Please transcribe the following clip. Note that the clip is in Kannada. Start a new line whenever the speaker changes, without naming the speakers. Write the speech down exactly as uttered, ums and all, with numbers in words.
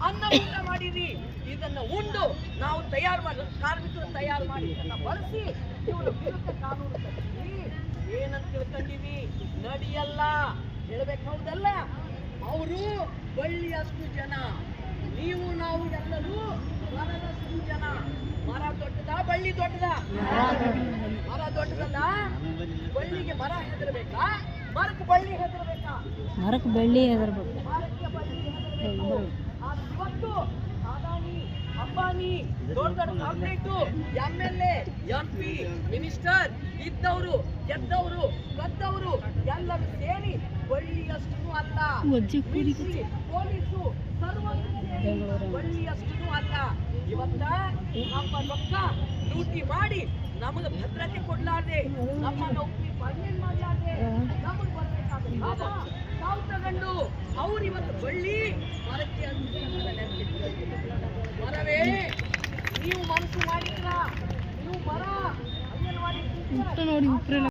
ಅನ್ನ ಊಟ ಮಾಡಿರಿ. ಇದನ್ನ ಉಂಡು ನಾವು ತಯಾರು ಮಾಡಿ ಕಾರ್ಮಿಕರು ತಯಾರು ಮಾಡಿ ಇದನ್ನ ಬಳಸಿ ಇವರ ವಿರುದ್ಧ ಕಾನೂನು ತರ್ತೀವಿ. ಏನಂತ ತಿಳ್ಕೊಂಡಿವಿ? ನಡಿಯಲ್ಲ ಹೇಳ್ಬೇಕು, ಹೌದಲ್ಲ? ಅವರು ಬಳ್ಳಿಯಷ್ಟು ಜನ, ನೀವು ನಾವು ಎಲ್ಲರೂ ಮರದಷ್ಟು ಜನ. ಮರ ದೊಡ್ಡದ, ಬಳ್ಳಿ ದೊಡ್ಡದ? ಮರ ದೊಡ್ಡದಲ್ಲ. ಬಳ್ಳಿಗೆ ಮರ ಹೆದರ್ಬೇಕಾ? ಮರಕ್ಕೆ ಬಳ್ಳಿ ಹೆದರ್ಬೇಕಾ?
ಮರಕ್ಕೆ ಬಳ್ಳಿ ಹೆದರ್ಬೇಕು.
ಮರಕ್ಕೆ ಬಳ್ಳಿ ಹೆದರ್ಬೇಕು. ಇವತ್ತು ಅದಾನಿ, ಅಂಬಾನಿ, ದೊಡ್ಡ ದೊಡ್ಡ corporate, M L A, M P, minister ಇದ್ದವರು, ಗೆದ್ದವರು, ಕದ್ದವರು ಎಲ್ಲರೂ ಸೇರಿ ಬಳ್ಳಿಯಷ್ಟು ಅಲ್ಲ, ಪೊಲೀಸು ಸರ್ವತ್ತು ಬಳ್ಳಿಯಷ್ಟು ಅಲ್ಲ. ಇವತ್ತ ನಮ್ಮ ರೊಕ್ಕ ಲೂಟಿ ಮಾಡಿ ನಮಗೆ ಭದ್ರತೆ ಕೊಡ್ಲಾರ್ದೆ, ನಮ್ಮ ನೌಕರಿ ಪರ್ಮನೆಂಟ್ ಮಾಡ್ಲಾರ್ದೆ ನಮಗೆ ಬರ್ಬೇಕಾದ ಲಾಭ ತಾವು ತಗೊಂಡು ಅವ್ರು ಇವತ್ತು ಬಳ್ಳಿ ಮರಕ್ಕೆ ಅಂತ ಮರವೇ ನೀವು ಮನಸ್ಸು ಮಾಡಿದ್ರ ನೀವು ಮರ ಅಂಗನವಾಡಿ
ನೋಡಿ